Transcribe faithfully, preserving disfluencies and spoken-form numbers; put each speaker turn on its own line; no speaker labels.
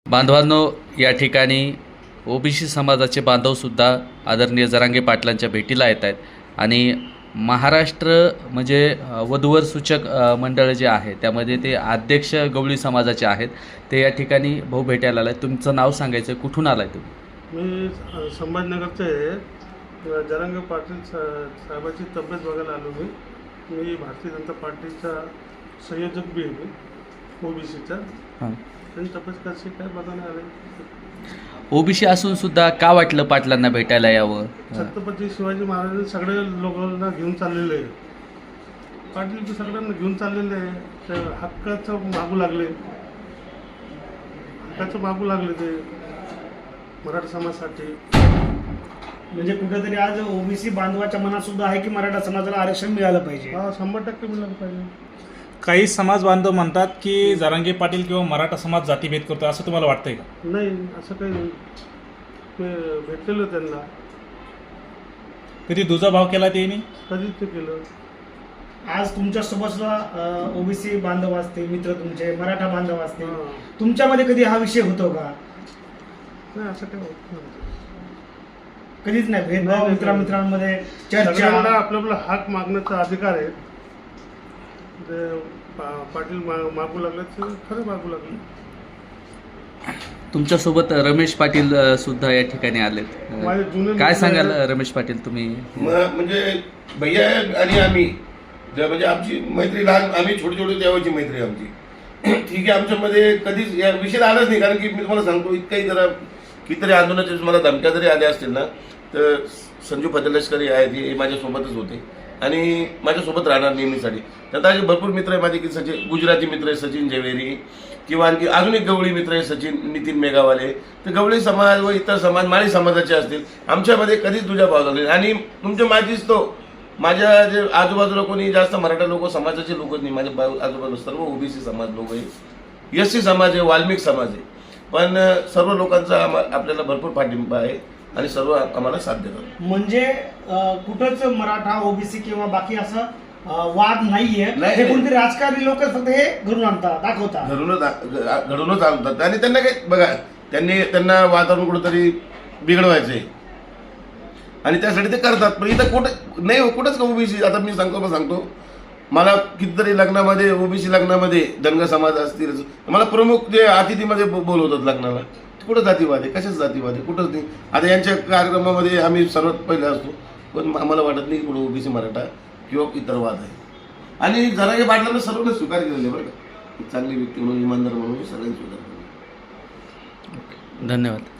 बांधवांनो, या ठिकाणी ओबीसी समाजाचे बांधवसुद्धा आदरणीय जरांगे पाटलांच्या भेटीला येत आहेत आणि महाराष्ट्र म्हणजे वधूवर सूचक मंडळ जे आहे त्यामध्ये ते अध्यक्ष गवळी समाजाचे आहेत. ते या ठिकाणी भाऊ भेटायला आला. तुमचं नाव सांगायचं, कुठून आलाय तुम्ही?
मी संभाजीनगरचे आहे. जरांगे पाटील सा साहेबाची तब्येत बघायला आलो. मी मी भारतीय जनता पार्टीचा संयोजक बी आहे. मी ओबीसीचा.
हां,
त्यांनी तब्येत कशी काय बघायला आले.
ओबीसी असून सुद्धा का वाटलं पाटलांना भेटायला यावं?
छत्रपती शिवाजी महाराजांनी सगळे लोकांना घेऊन चाललेले आहे. पाटील ते सगळ्यांना घेऊन चाललेले आहे. ते हक्काचं मागू लागले हक्काचं मागू लागले ते मराठा समाजासाठी.
म्हणजे कुठेतरी आज ओबीसी बांधवाच्या मनात सुद्धा आहे की मराठा समाजाला आरक्षण मिळालं पाहिजे.
हा, शंभर टक्के मिळालं पाहिजे.
काही समाज बांधव म्हणतात की जरांगे पाटील किंवा मराठा समाज जातीभेद करतो, असं तुम्हाला वाटतंय का?
नाही, असं काही नाही. ते भेटलेलं त्यांना.
कधी दुजाभाव केला त्यांनी?
कधीच ते केलं.
आज तुमच्या सोबत ओबीसी बांधव असते, मित्र तुमचे मराठा बांधव असते,
हां.
तुमच्यामध्ये कधी हा विषय होतो का?
नाही, असं काही होत नाही.
कधीच नाही
नाही,
भेदभाव
नाही.
मित्रामित्रांमध्ये
सगळ्यांना
चर्चा.
आपला आपला हाक मागण्याचा अधिकार आहे. ते पा- पाटील मा मागू लागले ते खरं मागू लागले.
तुमच्यासोबत रमेश पाटील अ, सुद्धा या ठिकाणी आलेत.
माझे जुने
काय
मित्र
सांगाल
आहेत.
रमेश पाटील तुम्ही?
म- म्हणजे भैया आणि आम्ही जे म्हणजे आमची मैत्री लहान, आम्ही छोटी छोटी देवाची मैत्री आमची. ठीक आहे, आमच्यामध्ये कधीच या विषय आलाच नाही. कारण की मी तुम्हाला सांगतो, इतकाही जरा कितीतरी आंदोलनाचे मला धमक्या जरी आल्या असतील ना, तर संजू फतेलष्करी आहेत, हे माझ्यासोबतच होते आणि माझ्यासोबत राहणार नेहमीसाठी. त्यात असे भरपूर मित्र आहे माझे की सचिन गुजराती मित्र आहे, सचिन जवेरी, किंवा आणखी अजून एक गवळी मित्र आहे सचिन नितीन मेघावाले. तर गवळी समाज व इतर समाज माळी समाजाचे असतील, आमच्यामध्ये कधीच तुझ्या भाव झाले. आणि तुमच्या माझीच तो माझ्या जे आजूबाजूला कोणी जास्त मराठा लोक समाजाचे लोकच नाही. माझ्या आजूबाजूला सर्व ओबीसी समाज लोक आहे, एस सी समाज आहे, वाल्मिक समाज आहे. पण सर्व लोकांचा आम्हा आपल्याला भरपूर पाठिंबा आहे आणि सर्व आम्हाला साथ देतात.
म्हणजे अं, कुठंच मराठा ओबीसी किंवा बाकी असं अं, वाद नाहीये.
नाही,
हे
नाही.
कोणतरी राजकारणी लोक फक्त हे घडून आणतात, दाखवतात.
घडूनच आ- घडूनच आणतात. आणि त्यांना काही बघा, त्यांनी त्यांना वातावरण कुठंतरी बिघडवायचं आहे आणि त्यासाठी ते करतात. पण इथं कुठं नाही, कुठंच का ओबीसी. आता मी सांगतो मग सांगतो मला कितीतरी लग्नामध्ये, ओबीसी लग्नामध्ये धनगर समाज असतील, मला प्रमुख जे अतिथीमध्ये बो- बोलवतात लग्नाला. कुठं जातीवाद आहे? कशाच जातीवाद आहे? कुठंच नाही. आता यांच्या कार्यक्रमामध्ये आम्ही सर्वात पहिले असतो, पण आम्हाला वाटत नाही कुठं ओबीसी मराठा किंवा इतर वाद आहे. आणि जरांगे पाटलांना सर्वांना स्वीकार केलेले बरं का, चांगली व्यक्ती म्हणून, इमानदार म्हणून सगळ्यांनी स्वीकार केलं.
धन्यवाद.